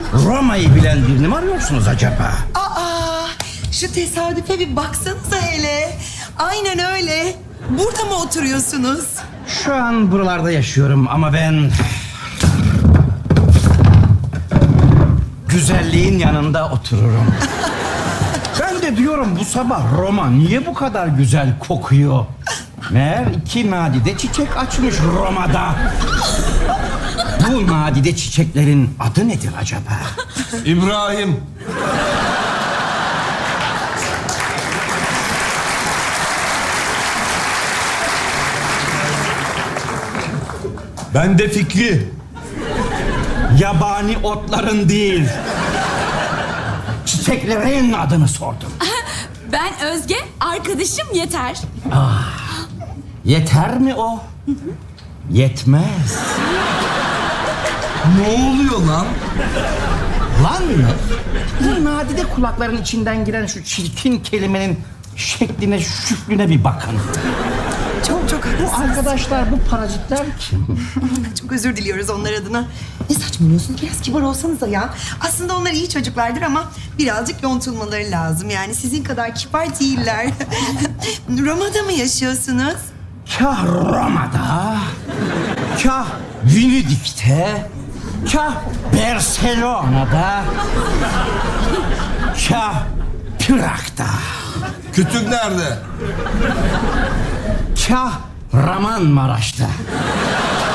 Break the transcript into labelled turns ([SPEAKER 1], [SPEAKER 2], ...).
[SPEAKER 1] Roma'yı bilen birini mi arıyorsunuz acaba?
[SPEAKER 2] Aa, şu tesadüfe bir baksanıza hele. Aynen öyle. Burada mı oturuyorsunuz?
[SPEAKER 1] Şu an buralarda yaşıyorum ama ben... güzelliğin yanında otururum. Ben de diyorum bu sabah Roma niye bu kadar güzel kokuyor? Meğer 2 nadide çiçek açmış Roma'da. Bu nadide çiçeklerin adı nedir acaba?
[SPEAKER 3] İbrahim. Ben de Fikri.
[SPEAKER 1] Yabani otların değil, çiçeklerin adını sordum.
[SPEAKER 4] Ben Özge, arkadaşım Yeter.
[SPEAKER 1] Yeter mi o? Yetmez.
[SPEAKER 3] Ne oluyor lan?
[SPEAKER 1] Lan mı? Bu nadide kulakların içinden giren şu çirkin kelimenin şekline, şüklüne bir bakın.
[SPEAKER 2] Çok
[SPEAKER 1] Bu
[SPEAKER 2] haklısınız.
[SPEAKER 1] arkadaşlar, bu parazitler kim?
[SPEAKER 2] Çok özür diliyoruz onlar adına. Ne saçmalıyorsunuz? Biraz kibar olsanıza ya. Aslında onlar iyi çocuklardır ama birazcık yontulmaları lazım. Yani sizin kadar kibar değiller. Roma'da mı yaşıyorsunuz?
[SPEAKER 1] Kah Roma'da, kah Venedik'te, kah Barcelona'da, kah Prag'da,
[SPEAKER 3] Kütük nerede?
[SPEAKER 1] kah Ramanmaraş'ta.